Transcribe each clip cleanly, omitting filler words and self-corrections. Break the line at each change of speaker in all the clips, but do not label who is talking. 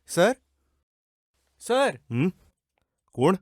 Sir sir
कोण?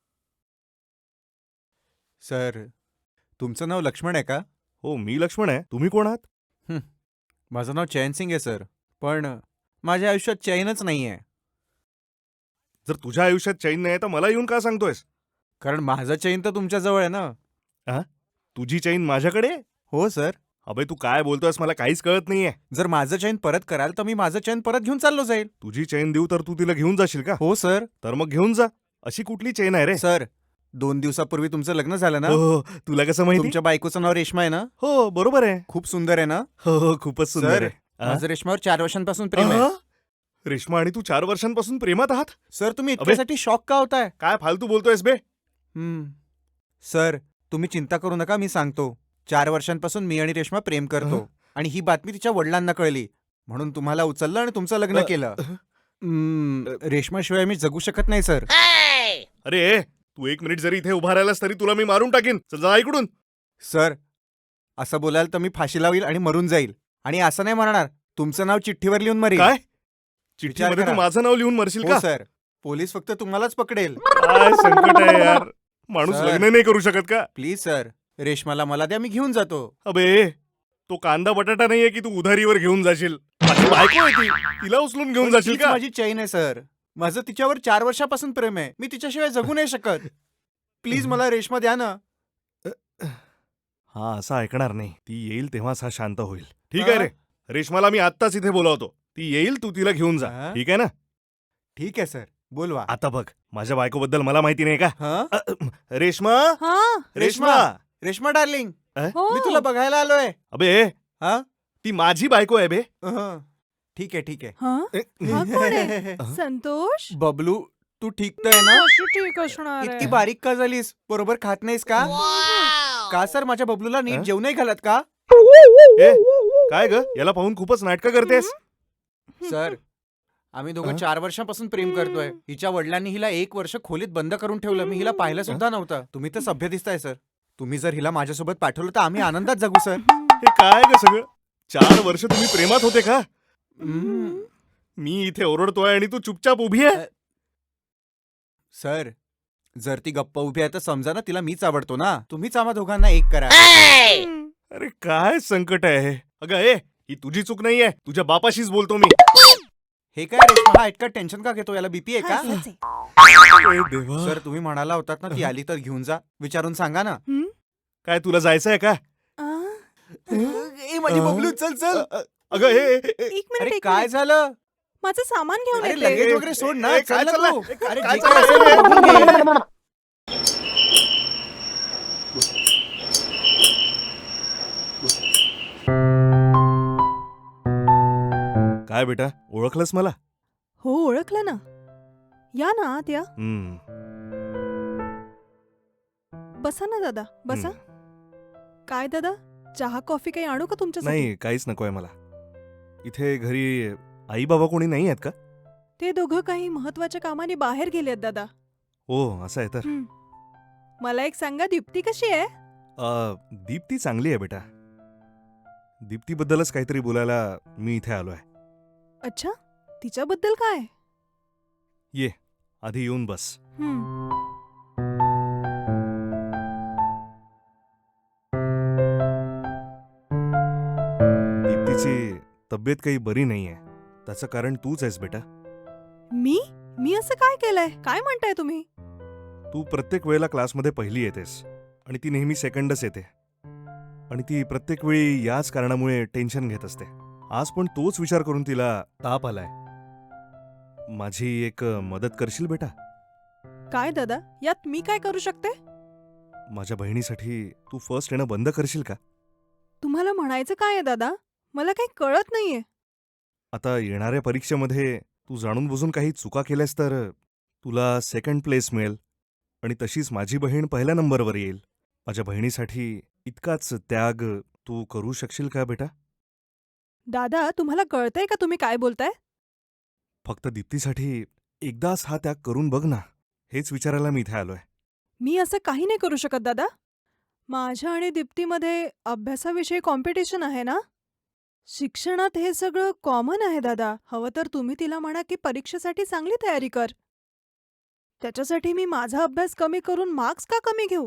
Sir तुमचं नाव लक्ष्मण आहे का?
हो, मी लक्ष्मण आहे. तुम्ही कोण आहात?
माझं नाव चैन सिंग आहे सर. पण माझ्या आयुष्यात चैनच नाही आहे.
जर तुझ्या आयुष्यात चैन नाही तर मला येऊन का सांगतोयस?
कारण माझं चैन तर तुमच्याजवळ आहे ना.
तुझी चैन माझ्याकडे आहे?
हो सर.
अबे तू काय बोलतोयस मला काहीच कळत नाहीये.
जर माझं चैन परत कराल तर मी माझं चैन परत घेऊन चाललो जाईल.
तुझी चैन देऊ तर तू तिला घेऊन जाशील का?
हो सर.
तर मग घेऊन जा. अशी कुठली चैन आहे रे?
सर 2 दिवसापूर्वी तुमचं लग्न झालं ना.
हो, तुला कसं माहिती?
तुमच्या बायकोचं नाव रेश्मा आहे ना.
हो, बरोबर आहे.
खूप सुंदर आहे ना.
हो, खूपच सुंदर
सर
आहे.
माझं रेश्मावर 4 वर्षांपासून प्रेम आहे.
रेश्मा आणि तू 4 वर्षांपासून प्रेमात आहात?
सर तुम्ही इतक्यासाठी शॉक का होताय?
काय फालतू बोलतोयस बे?
सर तुम्ही चिंता करू नका, मी सांगतो. 4 वर्षांपासून मी आणि रेश्मा प्रेम करतो आणि ही बातमी तिच्या वडिलांना कळली म्हणून तुम्हाला उचललं आणि तुमचं लग्न केलं. रेश्माशिवाय मी जगू शकत नाही सर.
अरे तू 1 मिनिट जरी इथे उभा राहिलास तरी तुला मी मारून टाकीन. चल जा इकडून.
सर असं बोलाल तर मी फाशी लावील आणि मरून जाईल. आणि असं नाही म्हणणार, तुमचं नाव चिठ्ठीवर लिहून मरेल.
काय? चिठ्ठीमध्ये तू
करा.
माझं नाव लिहून मरशील
हो
का?
सर. पोलीस फक्त तुम्हालाच पकडेल.
काय संकट आहे यार. माणूस
सर.
लग्न नाही करू शकत का?
प्लीज सर, रेश्माला मला द्या, मी घेऊन जातो.
अबे तो कांदा बटाटा नाहीये की तू उधारीवर घेऊन जाशील. माझी बायको आहे ती. तिला उचलून घेऊन
पण
जाशील
तीच
का?
माझी चैन आहे सर. माझं तिच्यावर 4 वर्षापासून प्रेम आहे. मी तिच्याशिवाय जगू नाही शकत. प्लीज मला रेश्मा द्या ना.
हा असं ऐकणार नाही. ती येईल तेव्हाच हा शांत होईल. ठीक आहे रे. रेश्माला मी आत्ताच इथे बोलावतो. ती येईल, तू तिला घेऊन जा. ठीक आहे ना?
ठीक आहे सर, बोलवा.
आता बघ, माझ्या बायकोबद्दल मला माहिती नाही का?
हं?
रेश्मा,
हा
रेश्मा.
रेश्मा डार्लिंग,
हो
मी तुला बघायला आलोय.
अबे
हा
ती माझी बायको आहे बे.
ठीक आहे ठीक आहे.
हा हा कोण आहे? संतोष
बबलू, तू ठीक तर आहे ना?
कशी ठीक असणार
इतकी
आहे?
बारीक का झालीस? बरोबर खात नाहीस का? का सर माझ्या बबलूला नीट
हं?
जेवू नाही घालत का?
ए, काय ग याला पाहून खूपच नाटकं करतेस.
सर आम्ही दोघं
हं?
4 वर्षांपासून प्रेम करतोय. हिच्या वडिलांनी हिला 1 वर्ष खोलीत बंद करून ठेवलं. मी हिला पाहिलं सुद्धा नव्हतं. तुम्ही तर सभ्य दिसताय सर. तुम्ही जर हिला माझ्यासोबत पाठवलं तर आम्ही आनंदात जगू सर.
हे काय ग सगळं? 4 वर्ष तुम्ही प्रेमात होते का? मी इथे ओरडतोय आणि तू चुपचाप उभी आहे.
सर जर ती गप्प उभी आहे तर समजा ना तिला मीच आवडतो ना. तुम्हीच आम्हा दोघांना एक करा.
अरे काय संकट आहे हे? अगं ही तुझी चूक नाहीये. तुझ्या बापाशीच बोलतो मी.
हे काय रेश्मा, हा इतका टेन्शन का घेतो? याला बीपी आहे का?
असंच आहे.
ए देवा.
सर तुम्ही म्हणाला होतात ना ती आली तर घेऊन जा. विचारून सांगा ना.
हं?
काय तुला जायचंय का?
आ?
ए माझी बबलू, चल चल.
अगं
एक मिनिट
अरे
एक
काय
मिनिट.
झालं?
माझं सामान घेऊन
अरे
येते.
लगेज वगैरे सोड ना.
ए,
चल
काय
ना
चाललंय?
तू. अरे
काय
जे काय
चाललंय?
असेल ते बघून घे.
काय बेटा ओळखलंस मला?
हो ओळखलं ना. या ना आत या. बसा ना दादा बसा. काय दादा, चहा कॉफी काही आणू का तुमच्यासाठी?
नाही काहीच नकोय मला. इथे घरी आई बाबा कोणी नाही आहेत का?
ते दोघं काही महत्वाच्या कामाने बाहेर गेलेत दादा.
हो असं आहे तर.
मला एक सांगा, दीप्ती कशी आहे?
दीप्ती चांगली आहे बेटा. दीप्तीबद्दलच काहीतरी बोलायला मी इथे आलोय.
अच्छा, तिच्याबद्दल काय?
ये आधी येऊन बस.
हं.
दीप्तीची तब्येत काही बरी नाहीये. त्याचं कारण तूच आहेस बेटा.
मी मी असं काय केलंय? काय म्हणताय तुम्ही?
तू प्रत्येक वेळेला क्लासमध्ये पहिली येतेस आणि ती नेहमी सेकंडच येते. आणि ती प्रत्येक वेळी याच कारणामुळे टेन्शन घेत असते. आज पण तोच विचार करून तिला ताप आलाय. माझी एक मदत करशील बेटा?
काय दादा, यात मी काय करू शकते?
माझ्या बहिणीसाठी तू फर्स्ट येणं बंद करशील का?
तुम्हाला म्हणायचं काय आहे दादा? मला काही कळत नाहीये.
आता येणाऱ्या परीक्षेमध्ये तू जाणून बुजून काही चुका केल्यास तर तुला सेकंड प्लेस मिळेल आणि तशीच माझी बहीण पहिल्या नंबरवर येईल. माझ्या बहिणीसाठी इतकाच त्याग तू करू शकशील का बेटा?
दादा, तुम्हाला कळतंय का तुम्ही काय बोलताय?
फक्त दीप्तीसाठी एकदाच हा त्याग करून बघ ना. हेच विचारायला मी इथे आलोय.
मी असं काही नाही करू शकत दादा. माझ्या आणि दीप्तीमध्ये अभ्यासाविषयी कॉम्पिटिशन आहे ना. शिक्षणात हे सगळं कॉमन आहे दादा. हवं तर तुम्ही तिला म्हणा की परीक्षेसाठी चांगली तयारी कर. त्याच्यासाठी मी माझा अभ्यास कमी करून मार्क्स का कमी घेऊ?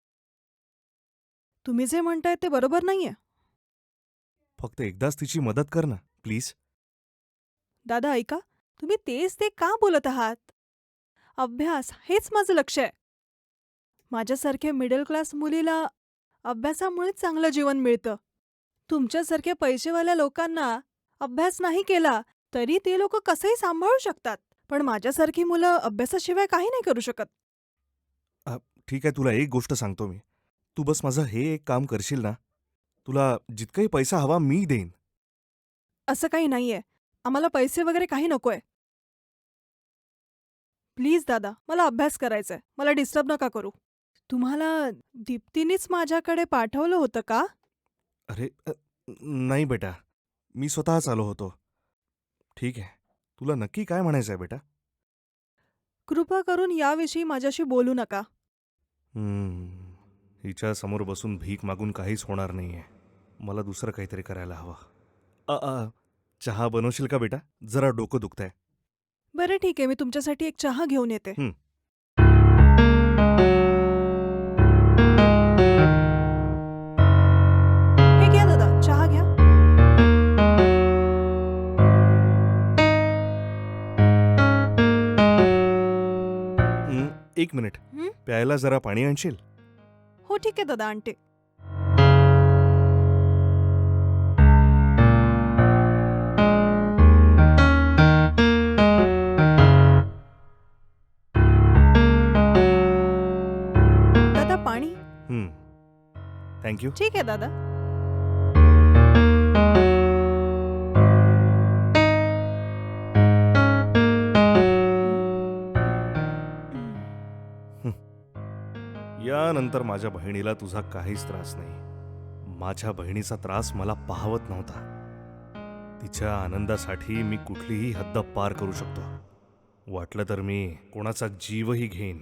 तुम्ही जे म्हणताय ते बरोबर नाहीये.
फक्त एकदाच तिची मदत कर ना प्लीज.
दादा ऐका, तुम्ही तेच ते का बोलत आहात? अभ्यास हेच माझं लक्ष आहे. माझ्यासारख्या मिडल क्लास मुलीला अभ्यासामुळेच चांगलं जीवन मिळतं. तुमच्यासारख्या पैसेवाल्या लोकांना अभ्यास नाही केला तरी ते लोक कसंही सांभाळू शकतात. पण माझ्यासारखी मुलं अभ्यासाशिवाय काही नाही करू शकत.
ठीक आहे, तुला एक गोष्ट सांगतो मी. तू बस माझं हे एक काम करशील ना, तुला जितकाही पैसा हवा मी देईन.
असं काही नाहीये. आम्हाला पैसे वगैरे काही नकोय. प्लीज दादा, मला अभ्यास करायचाय. मला डिस्टर्ब नका करू. तुम्हाला दीप्तीनेच माझ्याकडे पाठवलं होतं का?
अरे नाही बेटा, मी स्वतःच आलो होतो. ठीक आहे, तुला नक्की काय म्हणायचं आहे बेटा?
कृपा करून याविषयी माझ्याशी बोलू नका.
हिच्या समोर बसून भीक मागून काहीच होणार नाहीये. मला दुसरं काहीतरी करायला हवं. चहा बनवशील का बेटा? जरा डोकं दुखतंय.
बरं ठीक आहे, मी तुमच्यासाठी एक चहा घेऊन येते.
हं.
हे घ्या दादा, चहा घ्या.
एक मिनिट,
हं?
प्यायला जरा पाणी आणशील?
हो ठीक आहे दादा, आणते. दादा पाणी.
थँक्यू.
ठीक आहे दादा.
यानंतर माझ्या बहिणीला तुझा काहीच त्रास नाही. माझ्या बहिणीचा त्रास मला पाहवत नव्हता. तिच्या आनंदासाठी मी कुठलीही हद्द पार करू शकतो. वाटलं तर मी कोणाचा जीवही घेईन.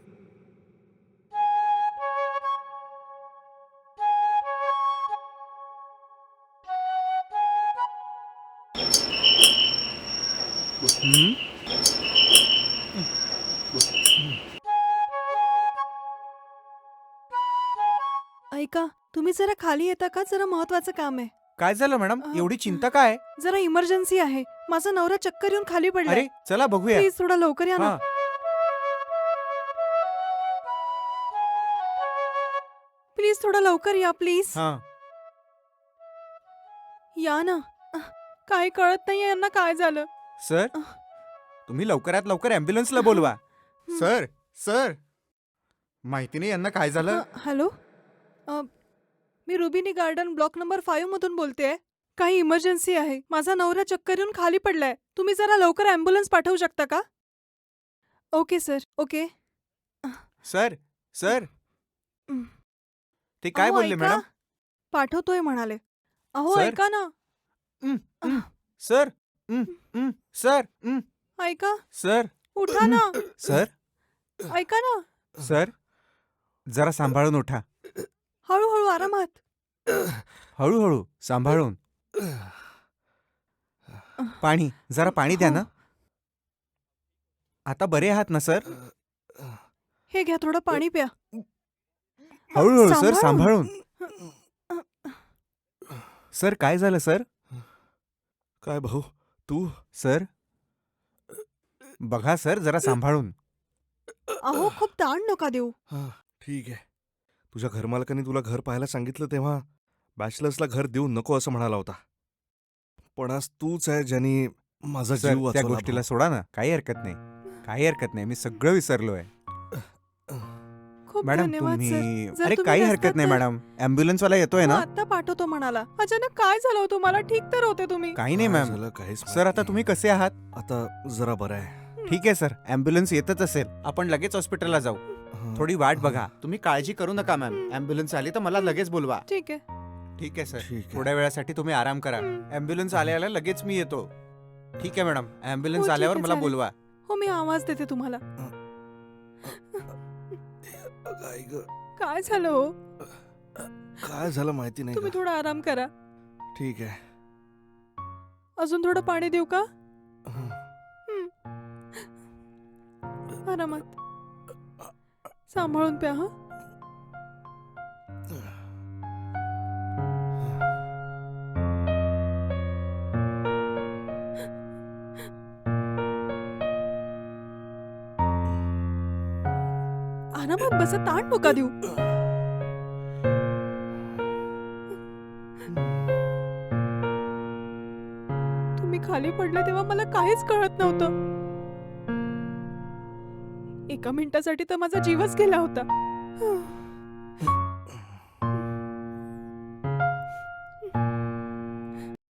ऐका, तुम्ही जरा खाली येता का? जरा महत्वाचं काम आहे.
काय झालं मॅडम?
अ,
एवढी चिंता काय?
जरा इमर्जन्सी आहे. माझा नवरा चक्कर येऊन खाली पडलाय.
अरे चला बघूया.
प्लीज थोडा लवकर या ना.
हा
प्लीज थोडा लवकर या प्लीज.
हा
या ना. काही कळत नाहीये यांना काय झालं.
सर, तुम्ही लवकरात लवकर ॲम्ब्युलन्सला बोलवा. सर सर, माहिती नाही यांना काय झालं.
हॅलो, मी रुबिनी गार्डन ब्लॉक नंबर 5 मधून बोलतेय. काही इमर्जन्सी आहे. माझा नवरा चक्कर येऊन खाली पडलाय. तुम्ही जरा लवकर ॲम्ब्युलन्स पाठवू शकता का? Okay sir, okay.
Sir sir,
हं.
ते काय
अहो,
बोलले
ऐका.
मॅडम?
पाठवतोय म्हणाले. अहो
सर?
ऐका ना.
सर सर
ऐका,
सर
उठा ना.
सर
ऐका ना.
सर, जरा सांभाळून उठा.
हळूहळू आरामात.
हळूहळू सांभाळून. पाणी, जरा पाणी द्या ना. आता बरे आहात ना सर?
हे घ्या, थोडं पाणी प्या.
हळूहळू सर,
सांभाळून.
सांभाळून. सर काय झालं सर?
काय भाऊ, तू?
सर बघा सर, जरा सांभाळून.
अहो खूप ताण नका देऊ.
ठीक आहे. तुझ्या घरमालकाने तुला घर पाहायला सांगितलं तेव्हा बॅचलर्सला घर देऊ नको असं म्हणाला होता. पण आज तूच आहे ज्यानी माझा
सर
जीव
त्या
वाचवला
गोष्टीला सोडा ना. काही हरकत नाही, काही हरकत नाही. मी सगळं विसरलोय.
खूप
मॅडम
धन्यवाद
तुम्ही,
सर.
अरे
तुम्ही
काही
नसतात
हरकत नाही
तर-
मॅडम. ॲम्ब्युलन्स वाला येतोय
हो,
ना.
आता पाठवतो म्हणाला. अचानक काय झालं होतं? मला ठीक तर होते तुम्ही.
काही नाही
काय
मॅम.
झालं काहीच
सर आता तुम्ही कसे आहात?
आता जरा बरं आहे.
ठीक आहे सर, ॲम्ब्युलन्स येतच असेल. आपण लगेच हॉस्पिटलला जाऊ. थोडी वाट बघा. तुम्ही काळजी करू नका मॅम. ॲम्ब्युलन्स आली तर मला लगेच बोलवा.
ठीक आहे.
ठीक आहे सर.
ठीक आहे.
थोड्या वेळासाठी तुम्ही आराम करा.
हं.
ॲम्ब्युलन्स आल्याला लगेच मी येतो. ठीक आहे मॅडम.
हो,
ॲम्ब्युलन्स
ठीक
आल्यावर
आहे,
मला
चालेल.
बोलवा.
हो, मी आवाज देते तुम्हाला.
काय ग?
काय झालं हो?
काय झालं माहिती नाही
तुम्ही
का?
थोडा आराम करा.
ठीक आहे.
अजून थोडं पाणी देऊ का? आरामात. सांभाळून प्या हा. आरामात बसा, ताण नका देऊ. तुम्ही खाली पडले तेव्हा मला काहीच कळत नव्हतं. एका मिनिटासाठी तर माझा जीवच गेला होता.